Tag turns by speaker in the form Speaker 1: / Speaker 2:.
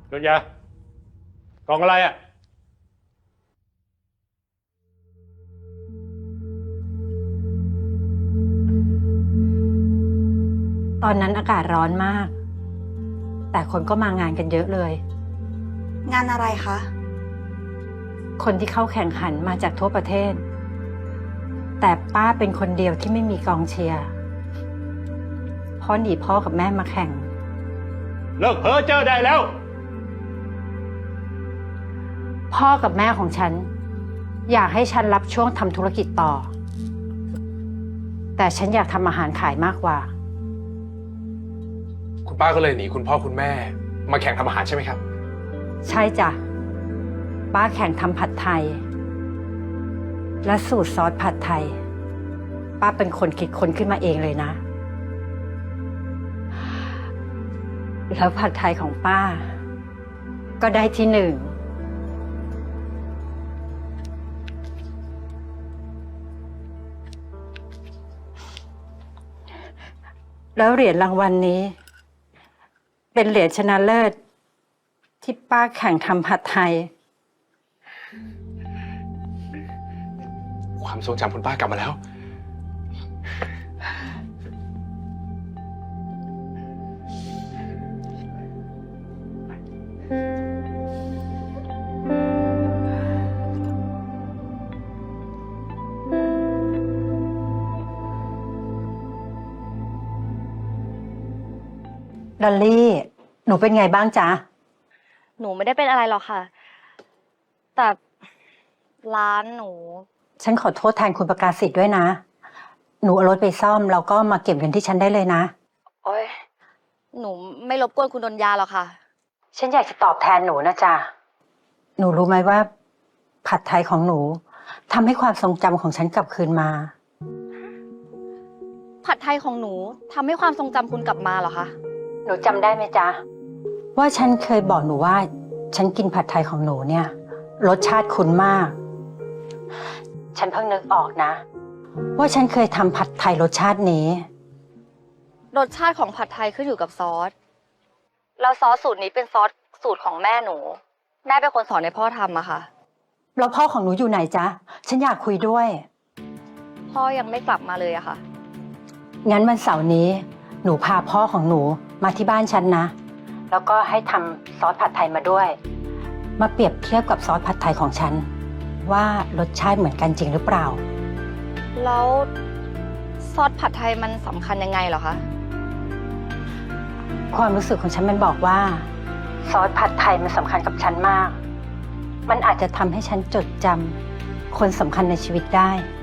Speaker 1: โดนยา กล่องอะไรอ่ะ
Speaker 2: ตอนนั้นอากาศร้อนมาก แต่คนก็มางานกันเยอะเลย
Speaker 3: งานอะไรคะ
Speaker 2: คนที่เข้าแข่งขันมาจากทั่วประเทศ แต่ป้าเป็นคนเดียวที่ไม่มีกองเชียร์เพราะหนีพ่อกับแม่มาแข่ง
Speaker 1: เลิกเพ้อเจ้อได้แล้ว
Speaker 2: พ่อกับแม่ของฉัน อยากให้ฉันรับช่วงทำธุรกิจต่อ แต่ฉันอยากทำอาหารขายมากกว่า
Speaker 4: คุณป้าก็เลยหนีคุณพ่อคุณแม่มาแข่งทำอาหารใช่ไหมครับ
Speaker 2: ใช่จ้ะป้าแข่งทำผัดไทย และสูตรซอสผัดไทย ป้าเป็นคนคิดค้นขึ้นมาเองเลยนะ แล้วผัดไทยของป้า ก็ได้ที่ 1แล้วเหรียญรางวัลนี้ เป็นเหรียญชนะเลิศที่ป้าแข่งทำผัดไทย
Speaker 4: ความทรงจำคุณป้ากลับมาแล้ว
Speaker 2: ดอลลี่ หนูเป็นไงบ้างจ๊ะ
Speaker 5: หนูไม่ได้เป็นอะไรหรอกค่ะ แต่ร้านหนู
Speaker 2: ฉันขอโทษแทนคุณประกาศสิทธิ์ด้วยนะ หนูเอารถไปซ่อมแล้วก็มาเก็บเงินที่ฉันได้เลยนะ
Speaker 5: โอ๊ย หนูไม่รบกวนคุณดนยาหรอกค่ะ
Speaker 2: ฉันอยากจะตอบแทนหนูนะจ๊ะ หนูรู้ไหมว่า ผัดไทยของหนูทำให้ความทรงจำของฉันกลับคืนมา
Speaker 5: ผัดไทยของหนูทำให้ความทรงจำคุณกลับมาเหรอคะ
Speaker 2: หนูจำได้ไหมจ๊ะ ว่าฉันเคยบอกหนูว่า ฉันกินผัดไทยของหนูเนี่ย รสชาติคุ้นมาก ฉันเพิ่งนึกออกนะ ว่าฉันเคยทำผัดไทยรสชาตินี้
Speaker 5: รสชาติของผัดไทยขึ้นอยู่กับซอส แล้วซอสสูตรนี้เป็นซอสสูตรของแม่หนู แม่เป็นคนสอนให้พ่อทำอะค่ะ
Speaker 2: แล้วพ่อของหนูอยู่ไหนจ๊ะ ฉันอยากคุยด้วย
Speaker 5: พ่อยังไม่กลับมาเลยอะค่ะ
Speaker 2: งั้นวันเสาร์นี้ หนูพาพ่อของหนูมาที่บ้านฉันนะ แล้วก็ให้ทำซอสผัดไทยมาด้วย มาเปรียบเทียบกับซอสผัดไทยของฉัน ว่ารสชาติเหมือนกันจริงหรือเปล่า
Speaker 5: แล้วซอสผัดไทยมันสำคัญยังไงเหรอคะ
Speaker 2: ความรู้สึกของฉันมันบอกว่า ซอสผัดไทยมันสำคัญกับฉันมาก มันอาจจะทำให้ฉันจดจำคนสำคัญในชีวิตได้